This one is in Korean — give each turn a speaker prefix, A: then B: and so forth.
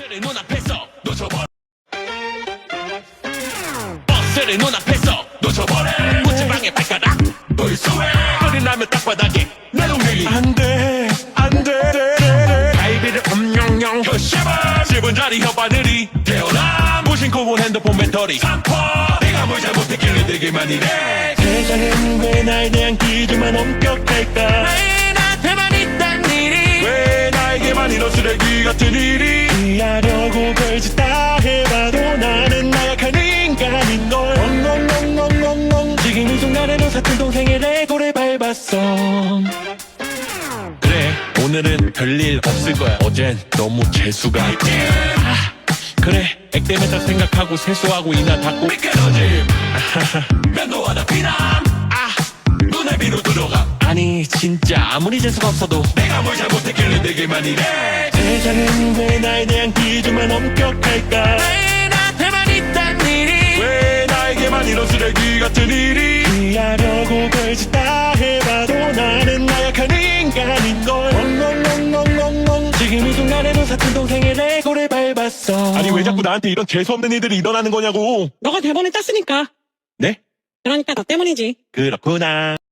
A: 버스를 눈앞에서 놓쳐버려. 버스를 눈앞에서 놓쳐버려. 무지방에 발가락 돌수해. 소리 나면 땅바닥에 내 동생이 안돼 안돼. 갈비를 엄영영 혀샤바. 10분짜리 혓바늘이 태어나. 무심코 본 핸드폰 배터리 삼포. 내가 뭘 잘못했길래 되게만 이래. 세상은 왜 날 대한 기준만 엄격할까. 왜 나한테만 있단 일이. 왜 나에게만 이런 쓰레기 같은 일이. 이해하려고 별짓 다 해봐도 나는 나약한 인간인걸. 엉엉엉엉엉엉. 지금 이 순간에도 사촌 동생의 레고를 밟았어. 그래 오늘은 별일 없을 거야. 어젠 너무 재수가 그래 액땜했다 생각하고 세수하고 이나 닦고 미끄러짐. 면도 하나 피남. 눈에 비로 들어가. 아니 진짜 아무리 재수가 없어도 내가 뭘 잘못했길래 내게만 이래. 세상은 왜 나에 대한 기준만 엄격할까. 왜 나한테만 있단 일이. 왜 나에게만 이런 쓰레기 같은 일이. 이해하려고 별짓 다 해봐도 나는 나약한 인간인걸. 엉엉엉엉엉엉. 지금 이 순간에도 사촌 동생의 레고를 밟았어.
B: 아니 왜 자꾸 나한테 이런 재수없는 일들이 일어나는 거냐고.
C: 너가 대본을 땄으니까.
B: 네?
C: 그러니까 너 때문이지.
B: 그렇구나.